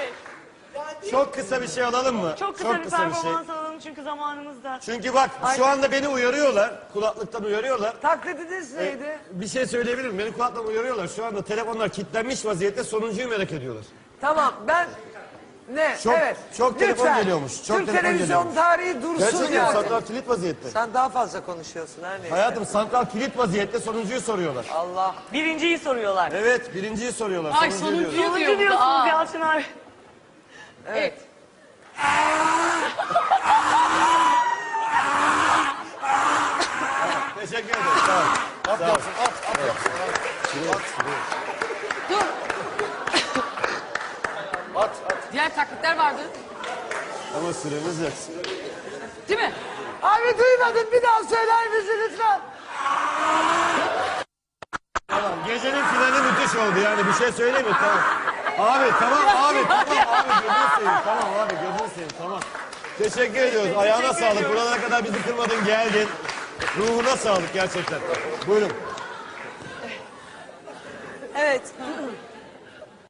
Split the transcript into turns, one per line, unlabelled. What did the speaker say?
Çok kısa bir şey alalım mı?
Çok kısa bir performans alalım çünkü zamanımız da.
Çünkü bak şu anda beni uyarıyorlar. Kulaklıktan uyarıyorlar.
Taklidiniz neydi?
Bir şey söyleyebilirim. Beni kulaklıktan uyarıyorlar. Şu anda telefonlar kilitlenmiş vaziyette, sonuncuyu merak ediyorlar.
Tamam ben... Ne?
Çok-
evet.
çok telefon
Lütfen.
geliyormuş, çok
Türk
telefon
televizyon
geliyormuş.
tarihi dursun
Gerçekten
yani.
santral kilit vaziyette.
Sen daha fazla konuşuyorsun her neyse.
Hayatım santral kilit vaziyette, sonuncuyu soruyorlar.
Allah.
Birinciyi soruyorlar.
Evet, birinciyi soruyorlar.
Ay,
sonuncuyu
sonuncuyu
diyorlar.
Sonuncu diyorsunuz Yalçın abi.
Evet.
Teşekkür ederim. Sağ ol.
At yapsın, at yapsın.
Dur.
At.
Diğer taklitler vardı.
Ama süremiz yok.
Değil mi?
Abi duymadın, bir daha söyler misin lütfen?
Tamam, gecenin finali müthiş oldu yani, bir şey söyleyeyim mi? Tamam. Abi tamam abi, gözünü seveyim. Tamam abi, gözünü seveyim, tamam. Teşekkür ediyoruz. Ayağına sağlık. Buralara kadar bizi kırmadın, geldin. Ruhuna sağlık gerçekten. Buyurun.
Evet,